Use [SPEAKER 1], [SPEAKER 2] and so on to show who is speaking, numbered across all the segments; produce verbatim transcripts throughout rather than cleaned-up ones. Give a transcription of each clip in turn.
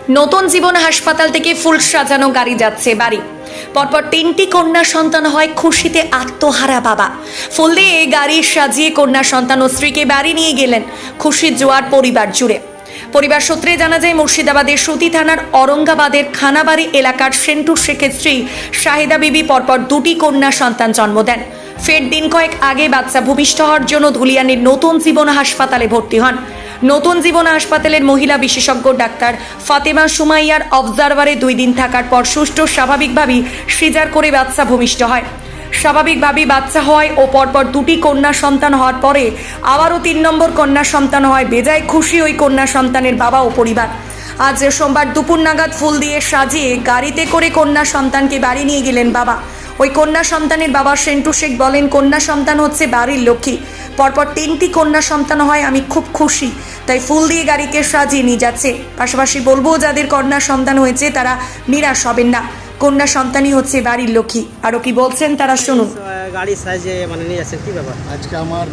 [SPEAKER 1] নতুন জীবন হাসপাতাল থেকে ফুল সাজানো গাড়ি যাচ্ছে বাড়ি। পরপর তিনটি কন্যা সন্তান হয়, খুশিতে আত্মহারা বাবা। ফুল দিয়ে গাড়ি সাজিয়ে কন্যা সন্তান ও স্ত্রীকে বাড়ি নিয়ে গেলেন, খুশির জোয়ার পরিবার জুড়ে। পরিবার সূত্রে জানা যায়, মুর্শিদাবাদের সুতি থানার অরঙ্গাবাদের খানাবাড়ি এলাকার সেন্টু শেখের স্ত্রী শাহিদা বিবি পরপর দুটি কন্যা সন্তান জন্ম দেন। ফের দিন কয়েক আগে বাচ্চা ভূমিষ্ঠ হওয়ার জন্য ধুলিয়ানের নতুন জীবন হাসপাতালে ভর্তি হন। নতুন জীবন হাসপাতালের মহিলা বিশেষজ্ঞ ডাক্তার ফাতেমা সুমাইয়ার অবজারভারে দুই দিন থাকার পর সুষ্ঠু স্বাভাবিকভাবেই সিজার করে বাচ্চা ভূমিষ্ঠ হয়। স্বাভাবিকভাবেই বাচ্চা হয় ও পরপর দুটি কন্যা সন্তান হওয়ার পরে আবারও তিন নম্বর কন্যা সন্তান হয়। বেজায় খুশি ওই কন্যা সন্তানের বাবা ও পরিবার। আজ সোমবার দুপুর নাগাদ ফুল দিয়ে সাজিয়ে গাড়িতে করে কন্যা সন্তানকে বাড়ি নিয়ে গেলেন বাবা। ওই কন্যা সন্তানের বাবা সেন্টু শেখ বলেন, কন্যা সন্তান হচ্ছে বাড়ির লক্ষ্মী। পরপর তিনটি কন্যা সন্তান হয়, আমি খুব খুশি, তাই ফুল দিয়ে গাড়িকে সাজিয়ে নিয়ে যাচ্ছে। পাশাপাশি বলবো, যাদের কন্যা সন্তান হয়েছে তারা নিরাশ হবেন না, কন্যা সন্তানই হচ্ছে বাড়ির লক্ষ্মী। আরও কি বলছেন তারা শুনুন।
[SPEAKER 2] গাড়ি সাইজে মানে নিয়ে যাচ্ছেন, কি ব্যাপার?
[SPEAKER 3] আজকে আমার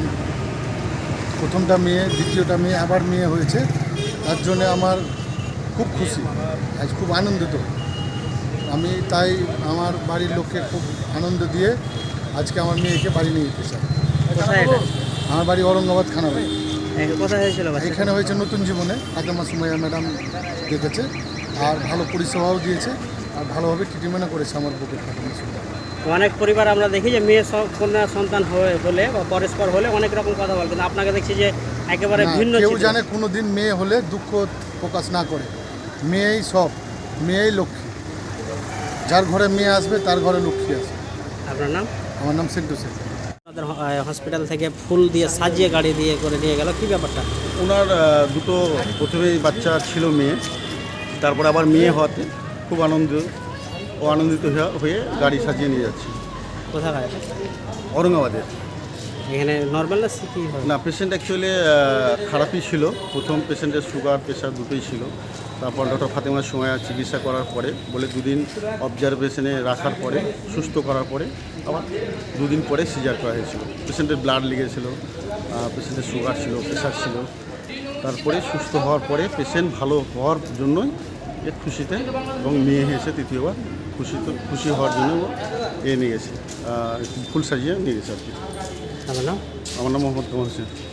[SPEAKER 3] প্রথমটা মেয়ে, দ্বিতীয়টা মেয়ে, আবার মেয়ে হয়েছে, তার জন্য আমার খুব খুশি, আজ খুব আনন্দিত আমি। তাই আমার বাড়ির লোককে খুব আনন্দ দিয়ে আজকে আমার মেয়েকে বাড়ি নিয়ে যেতে চাই।
[SPEAKER 2] কোথায় এটা?
[SPEAKER 3] আমার বাড়ি অরঙ্গাবাদ খানাবাড়ি।
[SPEAKER 2] কোথায় হয়েছিল?
[SPEAKER 3] এখানে হয়েছে নতুন জীবনে, ফাতেমা সুমাইয়া ম্যাডাম দেখেছে আর ভালো পরিষেবাও দিয়েছে আর ভালোভাবে ট্রিটমেন্টও করেছে আমার বুকের ফাতেমা সুমাইয়া।
[SPEAKER 2] অনেক পরিবার আমরা দেখি যে মেয়ে কন্যা সন্তান হয়ে বলে বা পরস্পর হলে অনেক রকম কথা বলে, কিন্তু আপনাকে দেখছি যে একেবারে ভিন্ন।
[SPEAKER 3] কেউ জানে কোনো দিন মেয়ে হলে দুঃখ প্রকাশ না করে, মেয়েই সব, মেয়েই লক্ষ্মী। যার ঘরে মেয়ে আসবে তার ঘরে লক্ষ্মী আসবে।
[SPEAKER 2] আপনার নাম?
[SPEAKER 3] আমার নাম সেন্টু শেখ।
[SPEAKER 2] আমাদের হসপিটাল থেকে ফুল দিয়ে সাজিয়ে গাড়ি দিয়ে করে নিয়ে গেল, কি ব্যাপারটা?
[SPEAKER 4] ওনার দুটো প্রথমেই বাচ্চা ছিল মেয়ে, তারপরে আবার মেয়ে হওয়াতে খুব আনন্দ ও আনন্দিত হয়ে গাড়ি সাজিয়ে নিয়ে যাচ্ছি।
[SPEAKER 2] কোথায়?
[SPEAKER 4] অরঙ্গাবাদের।
[SPEAKER 2] এখানে নর্মাল না কি হয়?
[SPEAKER 4] না, পেশেন্ট অ্যাকচুয়ালি খারাপই ছিল। প্রথম পেশেন্টের সুগার প্রেশার দুটোই ছিল। তারপর ডক্টর ফাতেমা সুমাইয়া চিকিৎসা করার পরে বলে দুদিন অবজারভেশনে রাখার পরে সুস্থ করার পরে আবার দুদিন পরে সিজার করা হয়েছিল। পেশেন্টের ব্লাড লেগেছিল, পেশেন্টের সুগার ছিল, প্রেশার ছিল। তারপরে সুস্থ হওয়ার পরে পেশেন্ট ভালো হওয়ার জন্যই এর খুশিতে, এবং মেয়ে এসে তৃতীয়বার খুশি তো খুশি হওয়ার জন্য এ নিয়ে গেছে, ফুল সাজিয়ে নিয়ে গেছে আর কি।
[SPEAKER 2] আমার নাম?
[SPEAKER 4] আমার নাম মোহাম্মদ কামাল হোসেন।